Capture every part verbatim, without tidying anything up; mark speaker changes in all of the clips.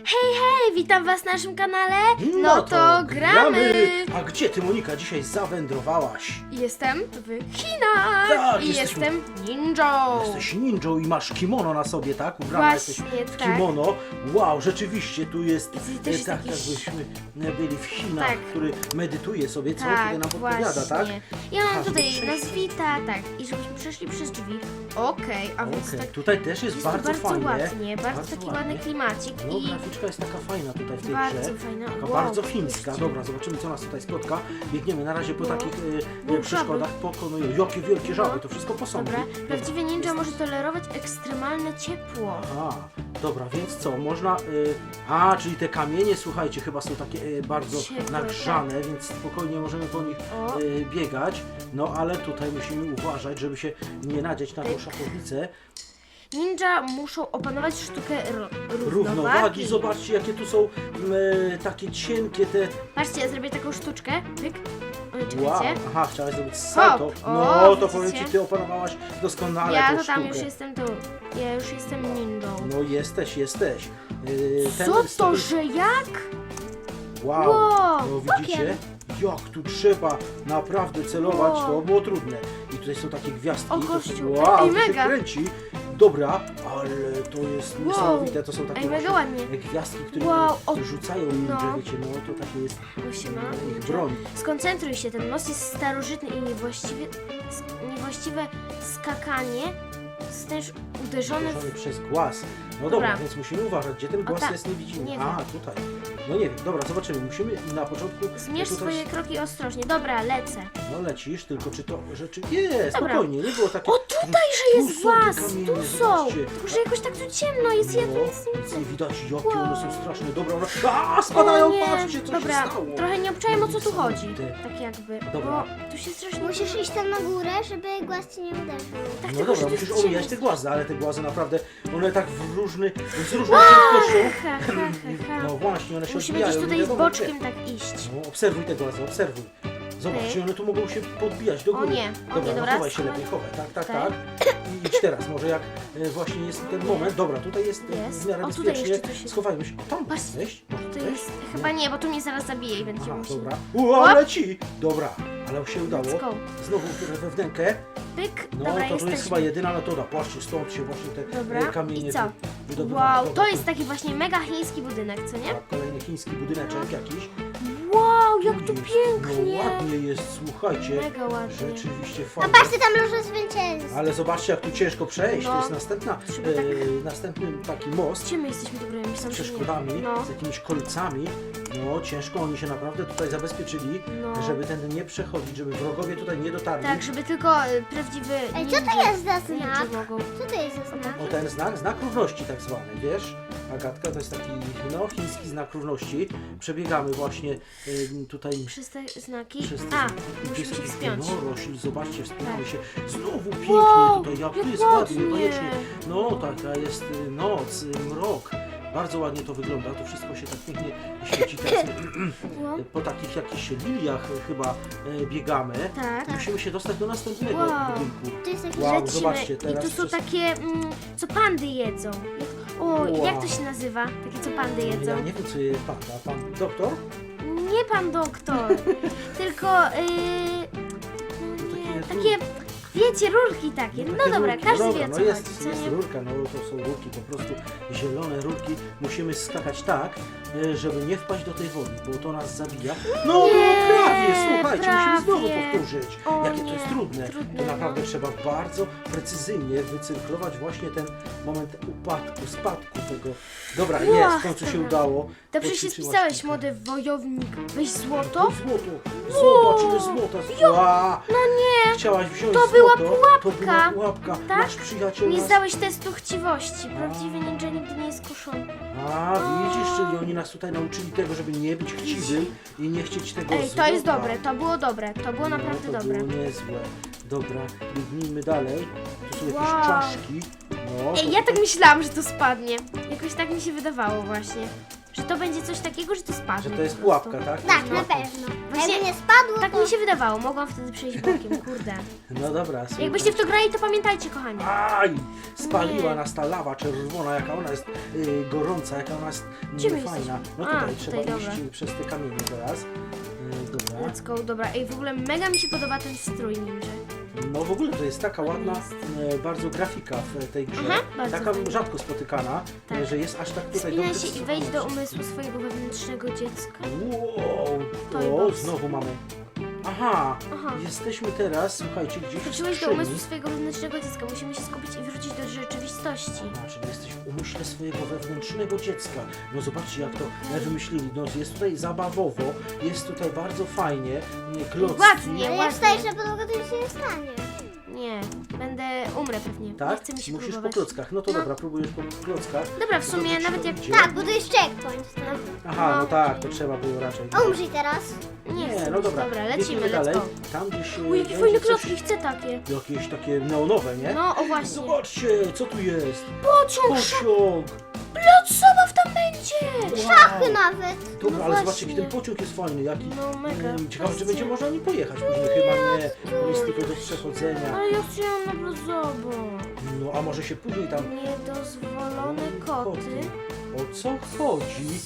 Speaker 1: Hej, hej, witam was na naszym kanale. No,
Speaker 2: No
Speaker 1: to gramy.
Speaker 2: A gdzie ty, Monika, dzisiaj zawędrowałaś?
Speaker 1: Jestem w Chinach
Speaker 2: Tak,
Speaker 1: i
Speaker 2: jesteśmy-
Speaker 1: jestem ninją.
Speaker 2: Jesteś ninją i masz kimono na sobie, tak? Ubrana
Speaker 1: Właśnie,
Speaker 2: jesteś w
Speaker 1: tak.
Speaker 2: kimono. Wow, rzeczywiście, tu jest
Speaker 1: I też
Speaker 2: e,
Speaker 1: jest
Speaker 2: tak,
Speaker 1: jakiś-
Speaker 2: jakbyśmy byli w Chinach,
Speaker 1: Tak.
Speaker 2: który medytuje sobie, co
Speaker 1: Tak,
Speaker 2: tutaj nam podpowiada,
Speaker 1: właśnie.
Speaker 2: tak?
Speaker 1: Ja mam
Speaker 2: Aha,
Speaker 1: tutaj
Speaker 2: żeby przejść.
Speaker 1: nazwita, tak, i żebyśmy przeszli przez drzwi. Okej, a więc
Speaker 2: Okej,
Speaker 1: tak
Speaker 2: tutaj też jest,
Speaker 1: jest
Speaker 2: bardzo,
Speaker 1: bardzo
Speaker 2: fajnie.
Speaker 1: ładnie, bardzo,
Speaker 2: bardzo
Speaker 1: taki
Speaker 2: ładnie.
Speaker 1: ładny klimacik
Speaker 2: No,
Speaker 1: i
Speaker 2: graficzka jest taka fajna tutaj w tej
Speaker 1: bardzo
Speaker 2: grze.
Speaker 1: fajna.
Speaker 2: Taka
Speaker 1: Wow,
Speaker 2: bardzo chińska.
Speaker 1: spójrzcie.
Speaker 2: Dobra, zobaczymy, co nas tutaj spotka. Biegniemy na razie po
Speaker 1: No.
Speaker 2: takich e,
Speaker 1: No,
Speaker 2: e, przeszkodach, pokonują. Jakie wielkie
Speaker 1: No.
Speaker 2: żaby, to wszystko posągi.
Speaker 1: Dobra,
Speaker 2: Dobra.
Speaker 1: prawdziwy ninja może tolerować ekstremalne ciepło.
Speaker 2: Aha, dobra, więc co, można... Y, a, czyli te kamienie, słuchajcie, chyba są takie y, bardzo
Speaker 1: Ciepłe,
Speaker 2: nagrzane, więc spokojnie możemy po nich
Speaker 1: O.
Speaker 2: y, biegać. No, ale tutaj musimy uważać, żeby się nie nadzieć na tą
Speaker 1: Pyk.
Speaker 2: szachownicę.
Speaker 1: Ninja muszą opanować sztukę ro równowagi.
Speaker 2: Równowagi, zobaczcie, jakie tu są y, takie cienkie te...
Speaker 1: Patrzcie, ja zrobię taką sztuczkę. Pyk. Oj,
Speaker 2: Wow,
Speaker 1: czekajcie.
Speaker 2: aha, chciałaś zrobić salto.
Speaker 1: Hop,
Speaker 2: No,
Speaker 1: o,
Speaker 2: to powiem
Speaker 1: widzicie?
Speaker 2: ci, ty opanowałaś doskonale
Speaker 1: Ja
Speaker 2: tą
Speaker 1: to tam
Speaker 2: sztukę.
Speaker 1: już jestem tu. Ja już jestem ninją.
Speaker 2: No, jesteś, jesteś. Y, ten
Speaker 1: Co
Speaker 2: z
Speaker 1: to,
Speaker 2: tego-
Speaker 1: że jak?
Speaker 2: Wow,
Speaker 1: Wow,
Speaker 2: no widzicie? Jak tu trzeba naprawdę celować,
Speaker 1: Wow.
Speaker 2: to było trudne. I tutaj są takie gwiazdki,
Speaker 1: O,
Speaker 2: to
Speaker 1: gościu,
Speaker 2: są, wow,
Speaker 1: ej,
Speaker 2: to się
Speaker 1: mega.
Speaker 2: kręci. Dobra, ale to jest
Speaker 1: Wow.
Speaker 2: niesamowite, to są takie
Speaker 1: Ej, mega
Speaker 2: właśnie
Speaker 1: ładnie.
Speaker 2: gwiazdki, które
Speaker 1: Wow, o-
Speaker 2: rzucają ninja,
Speaker 1: no.
Speaker 2: wiecie, no to takie jest
Speaker 1: Osiem,
Speaker 2: no, ich
Speaker 1: ninja.
Speaker 2: broń.
Speaker 1: Skoncentruj się, ten most jest starożytny i niewłaściwie, sk- niewłaściwe skakanie jest też uderzone w...
Speaker 2: Uderzony przez głaz. No dobra,
Speaker 1: Dobra.
Speaker 2: więc musimy uważać, gdzie ten
Speaker 1: O,
Speaker 2: głaz
Speaker 1: tak.
Speaker 2: jest, nie widzimy.
Speaker 1: Nie
Speaker 2: A, tutaj. No nie wiem, dobra, zobaczymy. Musimy na początku...
Speaker 1: Zmierz
Speaker 2: tutaj...
Speaker 1: swoje kroki ostrożnie. Dobra, lecę.
Speaker 2: No lecisz, tylko czy to rzeczywiście... Nie,
Speaker 1: Dobra.
Speaker 2: spokojnie, nie było takie...
Speaker 1: O, tutaj, że jest
Speaker 2: Tu są te
Speaker 1: głaz!
Speaker 2: kamienie,
Speaker 1: Tu są!
Speaker 2: zobaczcie.
Speaker 1: Tylko, że jakoś tak tu ciemno jest, ja tu
Speaker 2: No,
Speaker 1: nic nie
Speaker 2: nic
Speaker 1: widzę.
Speaker 2: nie widać, jakie
Speaker 1: Wow.
Speaker 2: one są straszne. Dobra, one... A, spadają,
Speaker 1: O nie,
Speaker 2: patrzcie, co
Speaker 1: dobra,
Speaker 2: się stało.
Speaker 1: trochę nie obczajem, o co tu chodzi.
Speaker 2: Niesamowite.
Speaker 1: Tak jakby,
Speaker 2: Dobra.
Speaker 1: bo tu się strasznie...
Speaker 3: Musisz iść tam na górę, żeby głaz cię nie uderzył.
Speaker 1: Tak,
Speaker 2: No
Speaker 1: tylko, że
Speaker 2: dobra,
Speaker 1: tu jest
Speaker 2: musisz omijać
Speaker 1: ciemno.
Speaker 2: te głazy, ale te głazy naprawdę, one tak w różny, z różną prędkością.
Speaker 1: Ha, ha, ha, ha.
Speaker 2: No właśnie, one się
Speaker 1: Musimy
Speaker 2: odbijają.
Speaker 1: gdzieś tutaj
Speaker 2: nie
Speaker 1: z
Speaker 2: wiadomo
Speaker 1: boczkiem
Speaker 2: gdzie.
Speaker 1: tak iść.
Speaker 2: No, obserwuj te głazy, obserwuj. Zobacz,
Speaker 1: Okej.
Speaker 2: czy one tu mogą się podbijać do
Speaker 1: O
Speaker 2: góry.
Speaker 1: nie, o
Speaker 2: dobra,
Speaker 1: nie,
Speaker 2: no
Speaker 1: dobra,
Speaker 2: chowaj się
Speaker 1: schowaj.
Speaker 2: lepiej, chowaj, tak, tak,
Speaker 1: Tak.
Speaker 2: tak. I idź teraz, może jak e, właśnie jest ten moment. Dobra, tutaj jest, e,
Speaker 1: Jest.
Speaker 2: w miarę
Speaker 1: O, tutaj
Speaker 2: bezpiecznie.
Speaker 1: jeszcze coś jest.
Speaker 2: Schowajmy się. O, tam
Speaker 1: Patrz,
Speaker 2: wejść? Może
Speaker 1: To
Speaker 2: wejść?
Speaker 1: jest... Chyba nie, bo tu mnie zaraz zabije i będzie
Speaker 2: Aha,
Speaker 1: musi...
Speaker 2: dobra. Ua,
Speaker 1: Łap.
Speaker 2: leci! Dobra, ale się udało.
Speaker 1: Let's go.
Speaker 2: Znowu we wnękę.
Speaker 1: Pyk,
Speaker 2: No
Speaker 1: dobra,
Speaker 2: to tu jest
Speaker 1: jesteśmy.
Speaker 2: chyba jedyna metoda. Patrzcie, stąd się właśnie te
Speaker 1: Dobra,
Speaker 2: e, kamienie
Speaker 1: i co?
Speaker 2: wy- wydobywają.
Speaker 1: Wow,
Speaker 2: Dobra,
Speaker 1: to jest taki właśnie mega chiński budynek, co nie?
Speaker 2: tak, kolejny chiński budyneczek jakiś.
Speaker 1: Wow, jak tu
Speaker 2: Jest-
Speaker 1: pięknie!
Speaker 2: No ładnie jest, słuchajcie.
Speaker 1: Mega ładnie.
Speaker 2: Rzeczywiście
Speaker 3: A
Speaker 2: fajnie.
Speaker 3: patrzcie, tam loże zwycięstw.
Speaker 2: Ale zobaczcie, jak tu ciężko przejść.
Speaker 1: No.
Speaker 2: To jest następna,
Speaker 1: Trzeba
Speaker 2: e,
Speaker 1: tak-
Speaker 2: następny taki most
Speaker 1: Gdzie my jesteśmy dobrymi?
Speaker 2: z przeszkodami,
Speaker 1: No.
Speaker 2: z jakimiś kolcami. No ciężko, oni się naprawdę tutaj zabezpieczyli,
Speaker 1: No.
Speaker 2: żeby ten nie przechodzić, żeby wrogowie tutaj nie dotarli.
Speaker 1: Tak, żeby tylko y, prawdziwy
Speaker 3: Ej, co to
Speaker 1: ninja-
Speaker 3: jest za
Speaker 1: ninja
Speaker 3: znak?
Speaker 1: mogą.
Speaker 3: Co to jest za znak?
Speaker 2: O ten znak, znak równości tak zwany, wiesz? Agatka, to jest taki, no, chiński znak równości. Przebiegamy właśnie y, tutaj
Speaker 1: Przez te znaki.
Speaker 2: przez te
Speaker 1: A,
Speaker 2: znaki. Tu
Speaker 1: musimy
Speaker 2: jest
Speaker 1: się
Speaker 2: taki
Speaker 1: wspiąć.
Speaker 2: Wynorośl, zobaczcie, wspinamy się. Znowu pięknie
Speaker 1: Wow,
Speaker 2: tutaj, jak tu
Speaker 1: jak
Speaker 2: jest ładnie,
Speaker 1: ładnie.
Speaker 2: koniecznie. No, taka jest y, noc, y, mrok. Bardzo ładnie to wygląda, to wszystko się tak pięknie świeci. Teraz
Speaker 1: No.
Speaker 2: po takich jakichś liliach chyba e, biegamy.
Speaker 1: Tak.
Speaker 2: Musimy się dostać do następnego
Speaker 1: Wow.
Speaker 2: budynku.
Speaker 3: To jest jakiś...
Speaker 2: Wow,
Speaker 1: Lecimy.
Speaker 2: zobaczcie,
Speaker 1: I
Speaker 2: teraz
Speaker 1: tu są
Speaker 2: przez-
Speaker 1: takie, mm, co pandy jedzą. Jak, o,
Speaker 2: Wow.
Speaker 1: jak to się nazywa? Takie, co pandy jedzą.
Speaker 2: Ja nie wiem, co je panda. Pan doktor?
Speaker 1: Nie pan doktor, tylko yy, no nie,
Speaker 2: takie
Speaker 1: takie, wiecie, rurki takie. No
Speaker 2: Takie
Speaker 1: dobra,
Speaker 2: rurki.
Speaker 1: każdy
Speaker 2: Dobra,
Speaker 1: wie o
Speaker 2: no
Speaker 1: co
Speaker 2: jest,
Speaker 1: chodzi, co
Speaker 2: jest
Speaker 1: nie?
Speaker 2: rurka, no to są rurki, po prostu zielone rurki. Musimy skakać tak, e, żeby nie wpaść do tej wody, bo to nas zabija. No, no
Speaker 1: Nie,
Speaker 2: prawie, słuchajcie, musimy znowu
Speaker 1: prawie.
Speaker 2: powtórzyć.
Speaker 1: O
Speaker 2: Jakie to
Speaker 1: nie,
Speaker 2: jest trudne.
Speaker 1: trudne,
Speaker 2: To naprawdę
Speaker 1: no.
Speaker 2: trzeba bardzo precyzyjnie wycyrklować właśnie ten moment upadku, spadku tego. Dobra,
Speaker 1: Ła,
Speaker 2: jest, w końcu się
Speaker 1: dobra.
Speaker 2: udało.
Speaker 1: Dobrze się
Speaker 2: Poćwiczyłaś
Speaker 1: spisałeś,
Speaker 2: kilka.
Speaker 1: młody wojownik. Weź
Speaker 2: To
Speaker 1: złoto.
Speaker 2: złoto! Zobacz, ile złota! Ła!
Speaker 1: No nie,
Speaker 2: Chciałaś wziąć
Speaker 1: To była
Speaker 2: złoto, To
Speaker 1: pułapka.
Speaker 2: była pułapka.
Speaker 1: Tak?
Speaker 2: Nasz przyjaciel
Speaker 1: nie
Speaker 2: nas...
Speaker 1: zdałeś testu chciwości. Prawdziwy ninja nigdy nie jest kuszony.
Speaker 2: A, widzisz, czyli oni nas tutaj nauczyli tego, żeby nie być chciwym i nie chcieć tego
Speaker 1: Ej,
Speaker 2: złota.
Speaker 1: to jest dobre, to było dobre, to było naprawdę
Speaker 2: no, to
Speaker 1: dobre.
Speaker 2: było niezłe. Dobra, biegnijmy dalej. Tu są jakieś
Speaker 1: Wow.
Speaker 2: czaszki. No,
Speaker 1: Ej,
Speaker 2: to
Speaker 1: ja tak
Speaker 2: tutaj-
Speaker 1: myślałam, że to spadnie. Jakoś tak mi się wydawało właśnie. że to będzie coś takiego, że to spadnie.
Speaker 2: Że to jest
Speaker 1: po prostu.
Speaker 2: pułapka, tak?
Speaker 3: Tak,
Speaker 2: To
Speaker 3: na
Speaker 2: jest pułapka.
Speaker 3: pewno.
Speaker 1: Właśnie
Speaker 3: Jakby nie spadło,
Speaker 1: Tak
Speaker 3: to...
Speaker 1: mi się wydawało, mogłam wtedy przejść bokiem, kurde.
Speaker 2: No dobra, słuchaj.
Speaker 1: Jakbyście w to grali, to pamiętajcie, kochani.
Speaker 2: Aj! Spaliła
Speaker 1: Nie.
Speaker 2: nas ta lawa czerwona, jaka ona jest y, gorąca, jaka ona jest
Speaker 1: Gdzie my
Speaker 2: y, fajna.
Speaker 1: jesteśmy?
Speaker 2: No
Speaker 1: A,
Speaker 2: tutaj trzeba
Speaker 1: tutaj,
Speaker 2: iść
Speaker 1: dobra.
Speaker 2: przez te kamienie teraz. Y, dobra.
Speaker 1: Let's go, dobra. Ej, w ogóle mega mi się podoba ten strój ninja.
Speaker 2: No w ogóle to jest taka ładna
Speaker 1: jest.
Speaker 2: e, bardzo grafika w tej grze.
Speaker 1: Aha, bardzo
Speaker 2: taka
Speaker 1: fajna.
Speaker 2: rzadko spotykana,
Speaker 1: Tak.
Speaker 2: e, że jest aż tak tutaj
Speaker 1: Wspinaj
Speaker 2: dobrze
Speaker 1: się i wejdź do
Speaker 2: przystosowana.
Speaker 1: umysłu swojego wewnętrznego dziecka.
Speaker 2: Wow,
Speaker 1: To i
Speaker 2: o,
Speaker 1: box.
Speaker 2: znowu mamy. Aha,
Speaker 1: Aha.
Speaker 2: jesteśmy teraz, słuchajcie, gdzieś w
Speaker 1: Wróciłeś do
Speaker 2: skrzyni.
Speaker 1: umysłu swojego wewnętrznego dziecka. Musimy się skupić i wrócić do rzeczywistości.
Speaker 2: A, czyli jesteś w umyśle swojego wewnętrznego dziecka. No zobaczcie jak to e, wymyślili. No jest tutaj zabawowo, jest tutaj bardzo fajnie, nie, klocki.
Speaker 1: Ładnie.
Speaker 3: Ale jak wstajesz na podłogę, to już się nie stanie.
Speaker 1: Nie, będę, umrę pewnie.
Speaker 2: Tak?
Speaker 1: Nie chcę mi się
Speaker 2: Musisz
Speaker 1: próbować.
Speaker 2: po klockach. No to dobra, próbujesz po klockach.
Speaker 1: Dobra, w
Speaker 2: To
Speaker 1: sumie
Speaker 2: dobrze ci
Speaker 1: nawet
Speaker 2: to
Speaker 1: jak...
Speaker 2: idzie.
Speaker 3: Tak, bo to jest checkpoint. No.
Speaker 2: Aha, no
Speaker 1: No.
Speaker 2: tak, to trzeba było raczej.
Speaker 3: A umrzyj teraz.
Speaker 1: Nie chcę
Speaker 2: no
Speaker 1: być.
Speaker 2: dobra,
Speaker 1: Dobra, lecimy,
Speaker 2: biegniemy
Speaker 1: let's
Speaker 2: dalej.
Speaker 1: go.
Speaker 2: Tam gdzieś e,
Speaker 1: Uj, jakie
Speaker 2: będzie
Speaker 1: fajne
Speaker 2: coś-
Speaker 1: klocki, chcę takie.
Speaker 2: Jakieś takie neonowe, nie?
Speaker 1: No, o właśnie.
Speaker 2: Zobaczcie, co tu jest?
Speaker 1: Pociąg,
Speaker 2: Pociąg!
Speaker 1: plac zabaw tam będzie!
Speaker 3: Szachy
Speaker 2: Wow.
Speaker 3: nawet.
Speaker 2: Dobra,
Speaker 1: No
Speaker 2: ale zobaczcie,
Speaker 1: właśnie.
Speaker 2: jaki ten pociąg jest fajny, jaki...
Speaker 1: No mega.
Speaker 2: Mm, Ciekawe, czy
Speaker 1: Patrzcie.
Speaker 2: będzie można nim pojechać później, chyba nie. To jest tylko do przechodzenia.
Speaker 1: Ale ja chciałam na plac zabaw.
Speaker 2: No, a może się później tam...
Speaker 1: Niedozwolone koty.
Speaker 2: O co chodzi?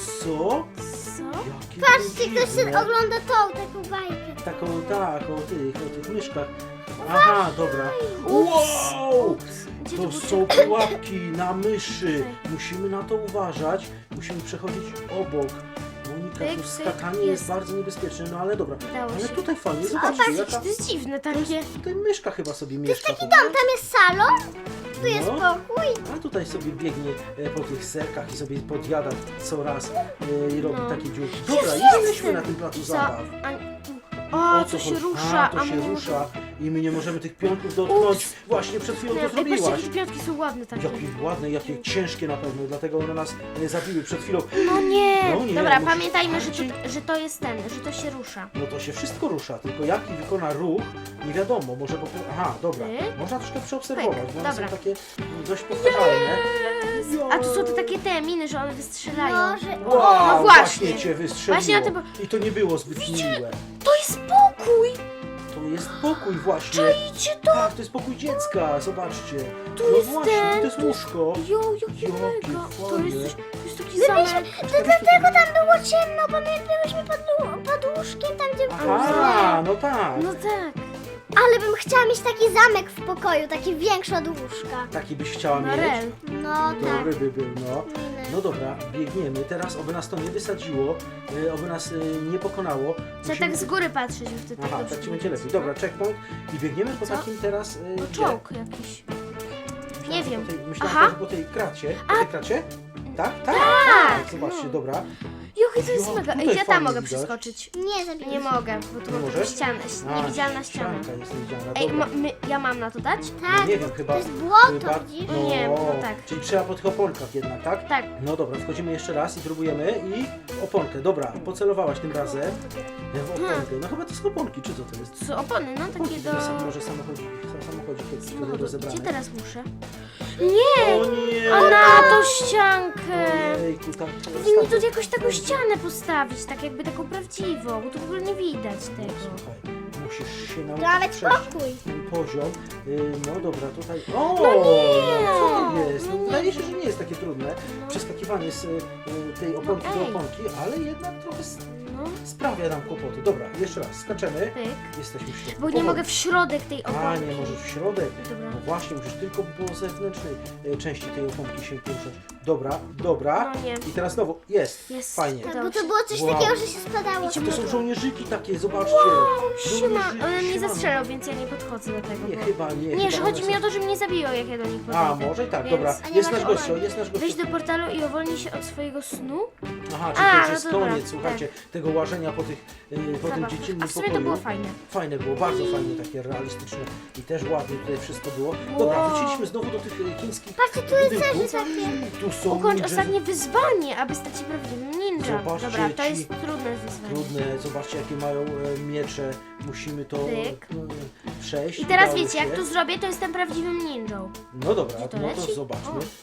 Speaker 2: Co?
Speaker 1: Co?
Speaker 2: Jakie
Speaker 3: Patrzcie,
Speaker 2: to
Speaker 3: ktoś
Speaker 2: dziwne.
Speaker 3: się ogląda tą, taką bajkę.
Speaker 2: Taką, tak, o tych, o tych myszkach. Aha, dobra.
Speaker 1: Ups.
Speaker 2: Wow!
Speaker 1: Ups. Gdzie to
Speaker 2: To
Speaker 1: był
Speaker 2: są
Speaker 1: czek-
Speaker 2: pułapki na myszy.
Speaker 1: Tutaj.
Speaker 2: Musimy na to uważać. Musimy przechodzić obok. Monika,
Speaker 1: Pyk,
Speaker 2: tu
Speaker 1: pyk,
Speaker 2: skakanie jest
Speaker 1: jest.
Speaker 2: bardzo niebezpieczne, no ale dobra.
Speaker 1: Udało
Speaker 2: Ale
Speaker 1: się.
Speaker 2: tutaj fajnie,
Speaker 1: A
Speaker 2: zobaczcie,
Speaker 1: patrzcie,
Speaker 2: jaka...
Speaker 1: to jest dziwne
Speaker 2: To jest,
Speaker 1: takie.
Speaker 2: tutaj myszka chyba sobie mieszka.
Speaker 3: Dom, tam jest salon, tu jest
Speaker 2: No.
Speaker 3: pokój.
Speaker 2: A tutaj sobie biegnie e, po tych serkach i sobie podjada co raz e, i robi
Speaker 1: No.
Speaker 2: takie dziurki. Dobra,
Speaker 1: Jezu,
Speaker 2: jesteśmy
Speaker 1: jestem.
Speaker 2: na tym placu
Speaker 1: Co?
Speaker 2: zabaw.
Speaker 1: A- O,
Speaker 2: co
Speaker 1: to się
Speaker 2: chodzi?
Speaker 1: rusza,
Speaker 2: A, to się
Speaker 1: my nie
Speaker 2: rusza i my nie możemy tych pionków dotknąć. Właśnie przed chwilą to
Speaker 1: możemy- Ej, patrzcie,
Speaker 2: zrobiłaś.
Speaker 1: jakie piątki są ładne takie.
Speaker 2: Jakie ładne, jakie ciężkie na pewno, dlatego one nas e, zabiły przed chwilą.
Speaker 1: No nie.
Speaker 2: No nie,
Speaker 1: Dobra,
Speaker 2: musisz
Speaker 1: pamiętajmy, że
Speaker 2: bardziej-
Speaker 1: to, że to jest ten, że to się rusza.
Speaker 2: No to się wszystko rusza, tylko jaki wykona ruch, nie wiadomo, może po prostu... Aha, dobra,
Speaker 1: Ty?
Speaker 2: można troszkę przeobserwować,
Speaker 1: Pyk,
Speaker 2: bo one
Speaker 1: dobra.
Speaker 2: są takie mm, dość powtarzalne.
Speaker 1: A tu są te takie te miny, że one wystrzelają.
Speaker 3: No, że...
Speaker 2: Wow,
Speaker 1: No
Speaker 2: właśnie
Speaker 1: właśnie.
Speaker 2: cię wystrzeliło.
Speaker 1: Właśnie na tym-
Speaker 2: I to nie było zbyt miłe.
Speaker 1: To jest pokój!
Speaker 2: To jest pokój właśnie.
Speaker 1: Czajcie to!
Speaker 2: Tak, to jest pokój dziecka, zobaczcie.
Speaker 1: Tu
Speaker 2: no
Speaker 1: jest
Speaker 2: właśnie,
Speaker 1: ten,
Speaker 2: to jest
Speaker 1: tu jest-
Speaker 2: łóżko.
Speaker 1: Jo, jakie
Speaker 2: Jakie
Speaker 1: mega! To
Speaker 2: fajnie.
Speaker 1: jest, coś- to jest taki zamek.
Speaker 3: To dlatego tam było ciemno, bo my byłyśmy pod, łó- pod łóżkiem, tam gdzie...
Speaker 2: Aha, no tak.
Speaker 1: No tak.
Speaker 3: Ale bym chciała mieć taki zamek w pokoju, taki większy od łóżka.
Speaker 2: Taki byś chciała
Speaker 1: No
Speaker 2: mieć?
Speaker 1: rel.
Speaker 3: No tak.
Speaker 2: Dobry by był, no.
Speaker 3: Miny.
Speaker 2: No dobra, biegniemy. Teraz oby nas to nie wysadziło, y, oby nas y, nie pokonało.
Speaker 1: Trzeba tak z góry patrzeć, bo wtedy
Speaker 2: Aha,
Speaker 1: dobrze
Speaker 2: tak ci będzie
Speaker 1: widać.
Speaker 2: lepiej. Dobra, checkpoint i biegniemy po
Speaker 1: Co?
Speaker 2: takim teraz... Y,
Speaker 1: No
Speaker 2: gdzie?
Speaker 1: czołg jakiś.
Speaker 2: Myślałem,
Speaker 1: nie
Speaker 2: że
Speaker 1: wiem.
Speaker 2: Po tej, myślałem,
Speaker 1: Aha.
Speaker 2: że po tej kracie. Po tej kracie? Tak? Tak?
Speaker 1: Tak,
Speaker 2: Zobaczcie,
Speaker 1: no.
Speaker 2: dobra.
Speaker 1: Jochi, to jest
Speaker 2: Jo,
Speaker 1: mega.
Speaker 2: tutaj
Speaker 1: Ej, ja tam
Speaker 2: fajnie
Speaker 1: mogę
Speaker 2: widać.
Speaker 1: przeskoczyć.
Speaker 3: Nie, zabiję.
Speaker 1: Nie mogę, bo tu
Speaker 2: Nie
Speaker 1: mam
Speaker 2: możesz?
Speaker 1: ścianę,
Speaker 2: A,
Speaker 1: niewidzialna ściana.
Speaker 2: ścianka jest niewidzialna,
Speaker 1: Ej,
Speaker 2: dobra.
Speaker 1: ma, my, ja mam na to dać?
Speaker 3: Tak,
Speaker 2: nie wiem, chyba...
Speaker 3: to jest błoto,
Speaker 2: chyba-
Speaker 3: widzisz?
Speaker 1: No nie, no tak.
Speaker 2: Czyli trzeba po tych oponkach jednak, tak?
Speaker 1: Tak.
Speaker 2: No dobra, wchodzimy jeszcze raz i próbujemy i oponkę. Dobra, pocelowałaś tym razem w oponkę. No chyba to są oponki, czy co to jest?
Speaker 1: Co, opony, no takie
Speaker 2: Oponki,
Speaker 1: do...
Speaker 2: sam- może samochodzi, samochodzi kiedyś tutaj
Speaker 1: samochodu.
Speaker 2: rozebrane.
Speaker 1: Gdzie teraz muszę? Nie!
Speaker 2: O nie!
Speaker 1: A na tą ściankę!
Speaker 2: Ojejku, tak.
Speaker 1: Powinni tu jakoś taką ścianę postawić, tak jakby taką prawdziwą, bo tu w ogóle nie widać tego.
Speaker 2: Słuchaj, musisz się nauczyć
Speaker 3: Nawet
Speaker 2: przejść
Speaker 3: pokój.
Speaker 2: ten poziom. Y, No dobra, tutaj... O!
Speaker 1: No nie!
Speaker 2: Co to jest?
Speaker 1: No
Speaker 2: No,
Speaker 1: nie.
Speaker 2: wydaje się, że nie jest takie trudne.
Speaker 1: No.
Speaker 2: Przeskakiwanie z y, tej oponki
Speaker 1: No
Speaker 2: do
Speaker 1: ej.
Speaker 2: oponki, ale jednak trochę s-
Speaker 1: No,
Speaker 2: sprawia nam kłopoty. Dobra, jeszcze raz, skaczemy.
Speaker 1: pyk.
Speaker 2: Jesteśmy w środku.
Speaker 1: Bo nie
Speaker 2: Powoli.
Speaker 1: mogę w środek tej
Speaker 2: A,
Speaker 1: oponki.
Speaker 2: nie możesz w środek.
Speaker 1: Dobra.
Speaker 2: No właśnie, musisz tylko po zewnętrznej e, części tej oponki się poruszać. Dobra, dobra.
Speaker 1: No nie.
Speaker 2: I teraz znowu, jest,
Speaker 1: Jest.
Speaker 2: fajnie.
Speaker 3: Tak,
Speaker 1: Udało
Speaker 3: bo to
Speaker 1: się.
Speaker 3: było coś
Speaker 2: Wow.
Speaker 3: takiego, że się spadało.
Speaker 2: A to są żołnierzyki takie, zobaczcie.
Speaker 1: Siema,
Speaker 2: Żołnierzyki,
Speaker 1: one mnie
Speaker 2: siema.
Speaker 1: zastrzelą, więc ja nie podchodzę do tego.
Speaker 2: Nie,
Speaker 1: bo...
Speaker 2: chyba nie.
Speaker 1: Nie,
Speaker 2: chyba
Speaker 1: że
Speaker 2: one
Speaker 1: chodzi
Speaker 2: są-
Speaker 1: mi o to, że mnie zabiją, jak ja do nich podejdę.
Speaker 2: A, może i tak,
Speaker 1: Więc-
Speaker 2: dobra.
Speaker 3: A nie
Speaker 2: Jest
Speaker 3: masz
Speaker 2: nasz gościu,
Speaker 3: obrony.
Speaker 2: jest nasz gościu.
Speaker 1: Wejdź do portalu i uwolnij się od swojego snu.
Speaker 2: Aha, czyli
Speaker 1: A,
Speaker 2: to już
Speaker 1: no
Speaker 2: jest
Speaker 1: dobra,
Speaker 2: koniec, słuchajcie, tego łażenia po, tych, y, po tym
Speaker 1: Zabaw.
Speaker 2: dziecinnym
Speaker 1: A w sumie
Speaker 2: pokoju.
Speaker 1: to było fajne.
Speaker 2: Fajne było, bardzo fajne, takie realistyczne i też ładnie tutaj wszystko było. Dobra,
Speaker 1: Wow.
Speaker 2: wróciliśmy znowu do tych e, chińskich
Speaker 3: Patrzcie, tu jest
Speaker 2: budynków.
Speaker 3: też takie...
Speaker 2: Tu są
Speaker 1: Ukończ
Speaker 2: ninja-
Speaker 1: ostatnie wyzwanie, aby stać się prawdziwym ninja.
Speaker 2: Zobaczcie,
Speaker 1: Dobra, to
Speaker 2: ci-
Speaker 1: jest trudne wyzwanie.
Speaker 2: Trudne, zobaczcie jakie mają e, miecze, musimy to
Speaker 1: Tyk.
Speaker 2: e, przejść.
Speaker 1: I teraz
Speaker 2: udało
Speaker 1: wiecie,
Speaker 2: się.
Speaker 1: jak to zrobię, to jestem prawdziwym ninją.
Speaker 2: No dobra,
Speaker 1: Gdzie to
Speaker 2: no to
Speaker 1: leci?
Speaker 2: zobaczmy.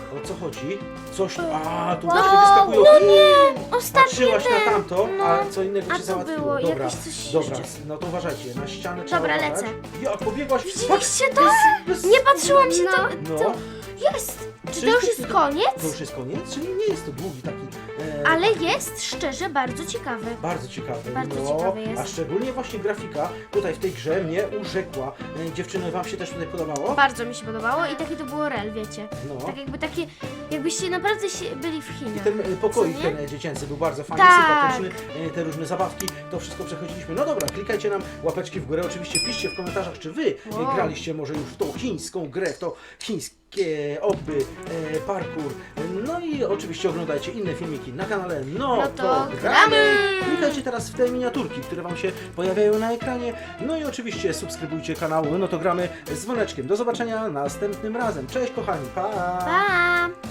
Speaker 2: O co chodzi? Coś tu... A, tu
Speaker 3: Wow,
Speaker 2: właśnie wyskakują...
Speaker 3: no nie, ostatnie
Speaker 2: Patrzyłaś na
Speaker 3: ten,
Speaker 2: tamto,
Speaker 3: no.
Speaker 2: a co innego
Speaker 1: A
Speaker 2: cię
Speaker 1: co
Speaker 2: załatwiło.
Speaker 1: było?
Speaker 2: Dobra,
Speaker 1: Jakieś coś
Speaker 2: dobra,
Speaker 1: jeszcze?
Speaker 2: no to uważajcie, na ścianę trzeba
Speaker 1: Dobra,
Speaker 2: uważać.
Speaker 1: lecę.
Speaker 2: Jak pobiegłaś?
Speaker 1: Widzieliście to?
Speaker 2: Bez-
Speaker 1: Nie patrzyłam się
Speaker 3: No.
Speaker 1: to.
Speaker 2: No.
Speaker 1: to jest! Czy to
Speaker 2: Czyżby
Speaker 1: już jest
Speaker 2: to-
Speaker 1: koniec?
Speaker 2: To już jest koniec? Czyli nie jest to długi taki... E,
Speaker 1: Ale jest szczerze bardzo ciekawy.
Speaker 2: Bardzo ciekawy.
Speaker 1: Bardzo
Speaker 2: no,
Speaker 1: ciekawy jest.
Speaker 2: A szczególnie właśnie grafika tutaj w tej grze mnie urzekła. E, dziewczyny, wam się też tutaj podobało?
Speaker 1: Bardzo mi się podobało i takie to było real, wiecie.
Speaker 2: No.
Speaker 1: Tak jakby takie, jakbyście naprawdę się byli w
Speaker 2: I
Speaker 1: Chinach.
Speaker 2: ten e, pokoik
Speaker 1: Co nie?
Speaker 2: ten e, dziecięcy był bardzo fajny,
Speaker 1: Tak.
Speaker 2: sympatyczny, e, te różne zabawki, to wszystko przechodziliśmy. No dobra, klikajcie nam łapeczki w górę, oczywiście piszcie w komentarzach, czy wy e,
Speaker 1: Wow.
Speaker 2: graliście może już w tą chińską grę, w to chińskie oby, e, parkour. No i oczywiście oglądajcie inne filmiki na kanale No,
Speaker 1: No
Speaker 2: to,
Speaker 1: to
Speaker 2: gramy!
Speaker 1: gramy!
Speaker 2: Klikajcie teraz w te miniaturki, które wam się pojawiają na ekranie. No i oczywiście subskrybujcie kanał No to gramy z dzwoneczkiem. Do zobaczenia następnym razem. Cześć kochani, pa!
Speaker 1: Pa!